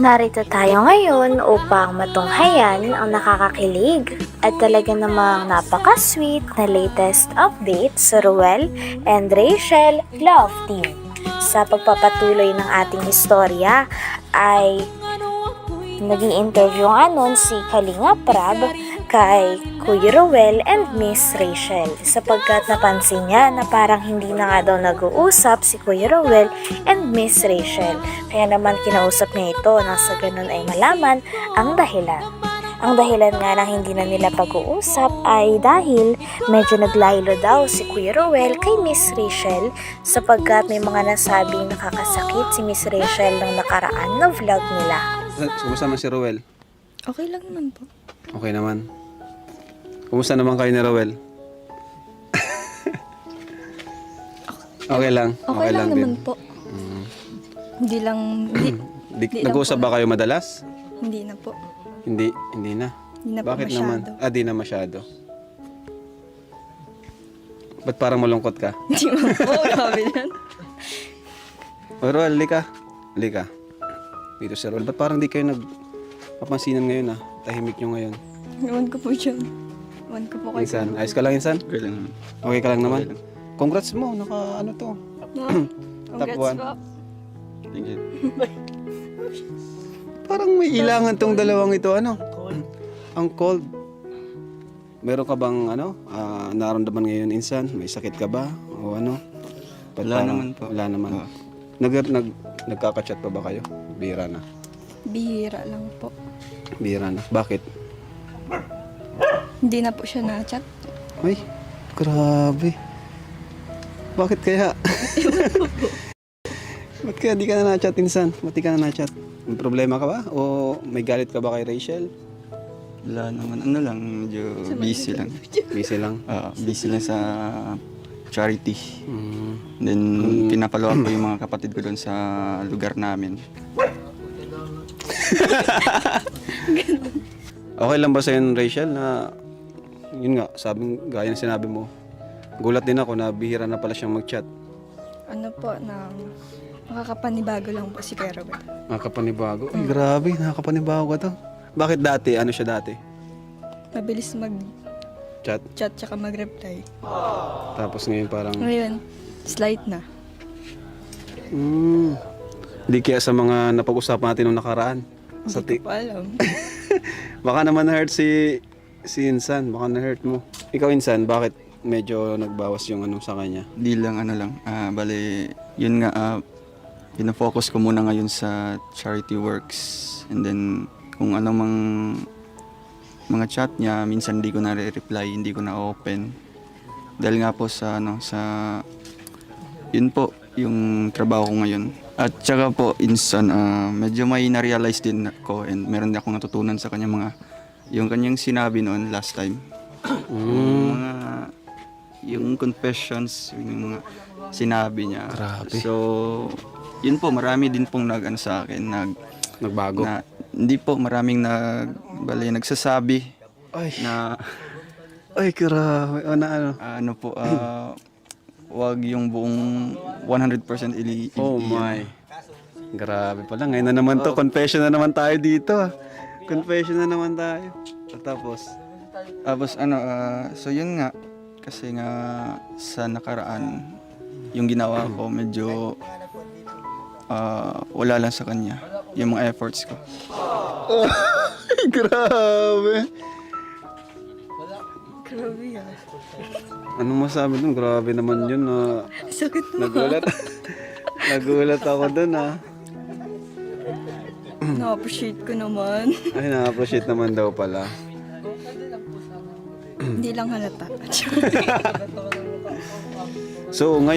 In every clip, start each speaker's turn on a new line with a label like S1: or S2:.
S1: Narito tayo ngayon upang matunghayan ang nakakakilig at talaga namang napaka-sweet na latest update sa Ruel and Rachel Love Team. Sa pagpapatuloy ng ating istorya ay naging interview nga nun si Kalinga Prab kay Kuya Ruel and Miss Rachel sapagkat napansin niya na parang hindi na nga daw nag-uusap si Kuya Ruel and Miss Rachel. Kaya naman kinausap niya ito nang sa ganun ay malaman ang dahilan. Ang dahilan nga na hindi na nila pag-uusap ay dahil medyo naglaylo daw si Kuya Ruel kay Miss Rachel sapagkat may mga nasabing nakakasakit si Miss Rachel nung nakaraan na vlog nila.
S2: Kumusta naman si Ruel?
S3: Okay lang naman po.
S2: Okay naman. Kumusta naman kayo ni Ruel? Okay lang.
S3: Okay lang naman
S2: din.
S3: po. Hindi lang,
S2: Nag-uusap ba kayo madalas?
S3: hindi na po.
S2: Hindi na.
S3: Hindi na po
S2: Bakit
S3: masyado.
S2: naman? Di na masyado. Ba't parang malungkot ka?
S3: Hindi man po, grabe yan.
S2: O Ruel, lika. Dito si Ruel. Ba't parang di kayo nagpapansinan ngayon Tahimik nyo ngayon.
S3: Ewan ko po dyan. Ewan ko po kayo.
S2: Insan, ayos ka lang Insan?
S4: Okay lang.
S2: Okay ka lang naman? Congrats mo, ano to?
S3: No?
S2: Top
S3: Congrats
S2: one.
S3: po.
S4: Thank you.
S2: Parang may ilangan tong dalawang ito, Ang cold. Meron ka bang, nararamdaman ngayon, Insan? May sakit ka ba? O ano? Ba't
S4: Wala
S2: parang-
S4: naman po.
S2: Wala naman.
S4: Oo.
S2: Nagkaka-chat pa ba kayo? Bihira na.
S3: Bihira lang po.
S2: Bihira na. Bakit?
S3: Hindi na po siya na-chat.
S2: Ay, grabe. Bakit kaya? Ba't kaya di ka na na-chat, Insan? Ba't di ka na na-chat? May problema ka ba? O may galit ka ba kay Rachel?
S4: Wala naman. Medyo busy lang.
S2: Busy lang.
S4: Busy lang sa charity.
S2: Mm.
S4: Then, pinapalo ko yung mga kapatid ko doon sa lugar namin.
S2: Okay lang ba sa'yo, Rachel, na yun nga, gaya ng sinabi mo, gulat din ako na bihira na pala siyang mag-chat.
S3: Ano po, na makakapanibago lang po si Kuya Robert.
S2: Nakakapanibago. Ay, grabe, nakakapanibago ka to. Bakit dati? Ano siya dati?
S3: Mabilis mag-chat
S2: Chat.
S3: tsaka mag-reply.
S2: Tapos ngayon parang,
S3: Ngayon, slight na.
S2: di kaya sa mga napag-usapan natin nung nakaraan.
S3: Hindi ko pa alam.
S2: Baka naman na-hurt si Insan, baka na-hurt mo. Ikaw, Insan, bakit medyo nagbawas yung sa kanya?
S4: Di lang bali, yun nga, pinafocus ko muna ngayon sa charity works. And then, kung ano mang mga chat niya, minsan hindi ko na reply, hindi ko na open. Dahil nga po sa yun po, yung trabaho ko ngayon. At saka po, Insan, medyo may na-realize din ako and meron din akong natutunan sa kanya yung kanyang sinabi noon last time. Yung confessions, yung mga sinabi niya.
S2: Grabe.
S4: So, yun po, marami din pong sa akin,
S2: Nagbago?
S4: hindi po, maraming nagsasabi
S2: Ay,
S4: na
S2: ay, grabe.
S4: ano po, wag yung buong 100%
S2: Oh my. Grabe pala. Ngayon na naman to. Confession na naman tayo dito. Confession na naman tayo. Tapos,
S4: so yun nga, kasi nga sa nakaraan, yung ginawa ko medyo wala lang sa kanya, yung mga efforts ko.
S2: grabe.
S3: Grabe yan.
S2: Anong masabi dun? Grabe naman yun.
S3: Sakit mo.
S2: Nagulat ako dun
S3: Na-appreciate ko naman.
S2: Ay, na-appreciate naman daw pala.
S3: Hindi lang halata.
S2: So, ngayon,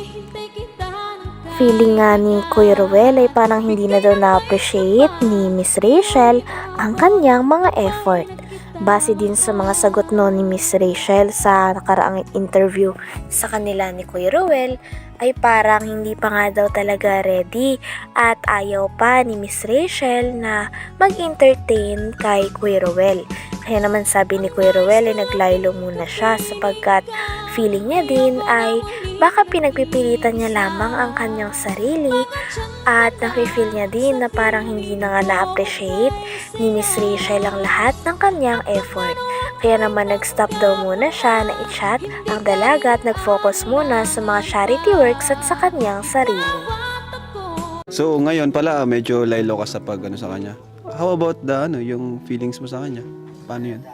S1: Feeling nga ni Kuya Ruel ay parang hindi na daw na-appreciate ni Miss Rachel ang kanyang mga effort. Base din sa mga sagot ni Miss Rachel sa nakaraang interview sa kanila ni Kuya Ruel, ay parang hindi pa nga daw talaga ready at ayaw pa ni Miss Rachel na mag-entertain kay Kuya Ruel. Kaya naman sabi ni Kuya Ruel ay naglaylo muna siya sapagkat feeling niya din ay baka pinagpipilitan niya lamang ang kanyang sarili at nafe-feel niya din na parang hindi na nga na-appreciate ni Miss Rachel ang lahat ng kanyang effort. Kaya naman nag-stop daw muna siya na i-chat ang dalaga at nag-focus muna sa mga charity works at sa kanyang sarili.
S2: So ngayon pala medyo laylo ka sa pag ano sa kanya. How about yung feelings mo sa kanya? Paano yun?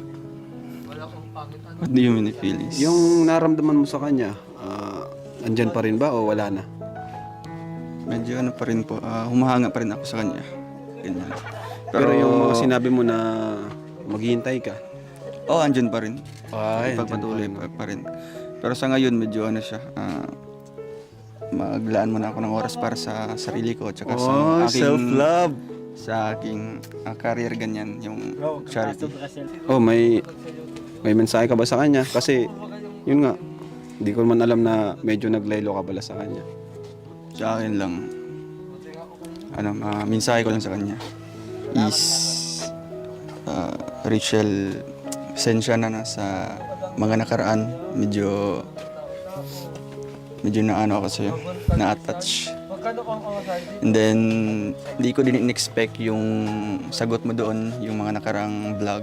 S4: What do you mean feelings?
S2: Yung naramdaman mo sa kanya, andyan pa rin ba o wala na?
S4: Medyo ano pa rin po, humahanga pa rin ako sa kanya. Ganyan.
S2: Pero yung mga sinabi mo na maghihintay ka.
S4: Andyan pa rin.
S2: Ay,
S4: Pagpatuloy pa rin. Pero sa ngayon, medyo ano siya, maglaan muna ako ng oras para sa sarili ko tsaka sa aking
S2: self-love.
S4: sa aking career ganyan, yung charity.
S2: May mensahe ka ba sa kanya? Kasi yun nga, hindi ko man alam na medyo naglaylo ka pala sa kanya.
S4: Sa akin lang, mensahe ko lang sa kanya is Rachel, pasensya na sa mga nakaraan. Medyo na ako sa'yo, na-attach. And then, hindi ko din in-expect yung sagot mo doon, yung mga nakarang vlog.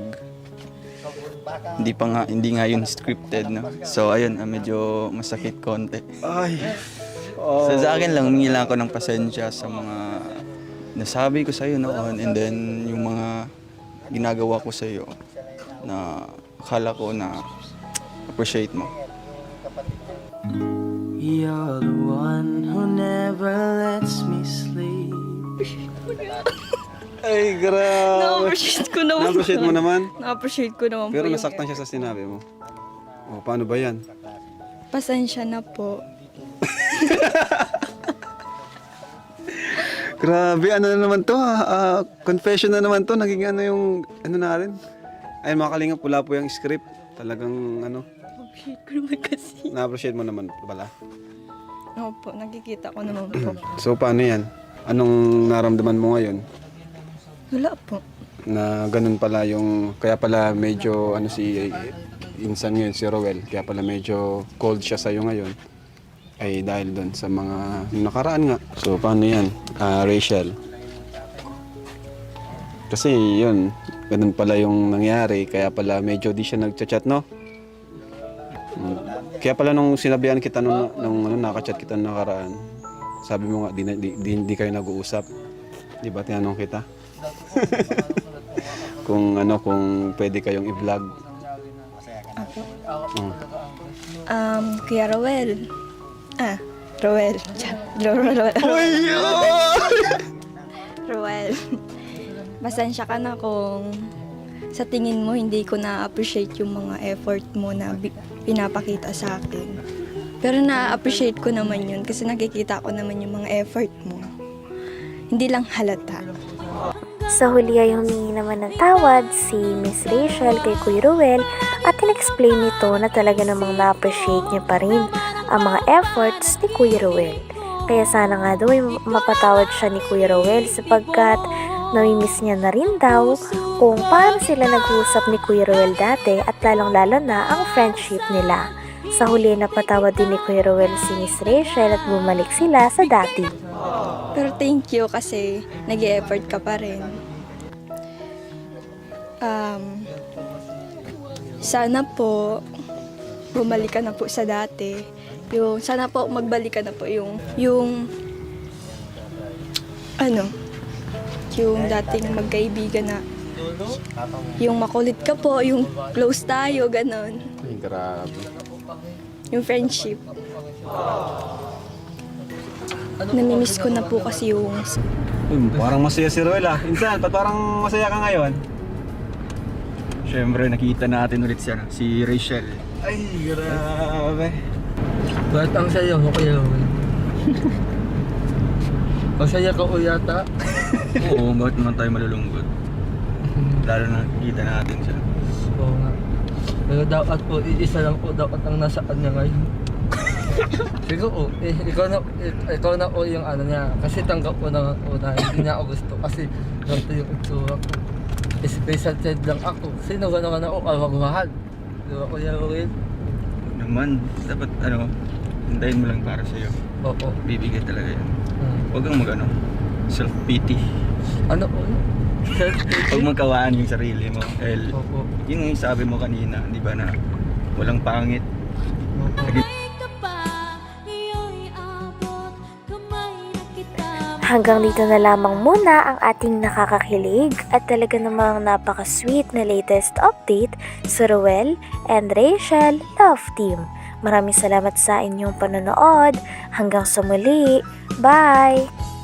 S4: Hindi nga yun scripted, no? So, ayun, medyo masakit konti.
S2: Ay.
S4: So, sa akin lang, humingi lang ako ng pasensya sa mga nasabi ko sa'yo noon, and then yung mga ginagawa ko sa'yo na akala ko na appreciate mo.
S5: You're the one who never lets me sleep.
S2: Ay, grabe.
S3: Na-appreciate ko naman.
S2: Na-appreciate mo naman?
S3: Na-appreciate ko naman
S2: Pero
S3: po
S2: nasaktan siya sa sinabi mo. Paano ba yan?
S3: Pasensya na po.
S2: Grabe, ano na naman to confession na naman to. Naging yung, na rin. Ay, mga kalingap, pula po yung script. Talagang,
S3: Na-appreciate ko naman kasi.
S2: na-appreciate mo naman pala.
S3: Opo, nakikita ko naman po.
S2: So, paano yan? Anong naramdaman mo ngayon?
S3: Wala po.
S2: Na ganun pala yung, kaya pala medyo, si insan ngayon, si Roel, kaya pala medyo cold siya sa'yo ngayon. Ay dahil doon sa mga nakaraan nga. So, paano yan, Rachel? Kasi yun, ganun pala yung nangyari, kaya pala medyo di siya nagchat-chat, no? Kaya pala nung sinabihan kita nung nakachat kita nung nakaraan, sabi mo nga, di kayo nag-uusap. Di ba, tinanong kita? kung pwede kayong i-vlog.
S3: Kuya Roel. Roel. Roel. Pasensya ka na kung sa tingin mo hindi ko na-appreciate yung mga effort mo na pinapakita sa akin. Pero na-appreciate ko naman yun kasi nakikita ko naman yung mga effort mo. Hindi lang halata.
S1: Sa huli ay humingi naman ng tawad si Miss Rachel kay Kuya Ruel at in-explain nito na talaga namang na-appreciate niya pa rin ang mga efforts ni Kuya Ruel. Kaya sana nga daw ay mapatawad siya ni Kuya Ruel sapagkat namimiss niya na rin daw kung paano sila nag-uusap ni Kuya Ruel dati at lalong-lalo na ang friendship nila. Sa huli napatawad din ni Kuya Ruel si Miss Rachel at bumalik sila sa dati.
S3: Pero thank you kasi nag-e-effort ka pa rin. Sana po bumalik ka na po sa dati. Sana po magbalik ka na po yung dating magkaibigan na yung makulit ka po, yung close tayo, ganon.
S2: Ay, grabe.
S3: Yung friendship. Namimiss ko na po kasi yung...
S2: Parang masaya si Roel Insan, ba't parang masaya ka ngayon?
S4: Siyempre, nakita natin ulit siya, si Rachel.
S2: Ay, grabe.
S5: Ba't ang saya mo kaya? Masaya ka o yata?
S4: Oo, bakit naman tayo malulungkot? Lalo na nakita natin siya.
S5: Oo nga. Pero dapat po, isa lang po dapat ang nasa kanya ngayon. Siguro, ikaw na po yung niya. Kasi tanggap ko na una, hindi niya ako gusto. Kasi ganito yung itsura ko. Special child lang ako. Sino gano'n ako magmahal? Di ba, Kuya Will?
S4: Huwag naman. Dapat hintayin mo lang para sa'yo.
S5: Oo.
S4: Bibigay talaga yan.
S5: Mm.
S4: Huwag kang self-pity.
S5: Ano po?
S4: Huwag magkawaan yung sarili mo. Dahil
S5: Oo.
S4: yun yung sabi mo kanina, di ba, na walang pangit.
S1: Hanggang dito na lamang muna ang ating nakakakilig at talaga namang napaka-sweet na latest update sa Ruel and Rachel Love Team. Maraming salamat sa inyong panonood. Hanggang sa muli. Bye!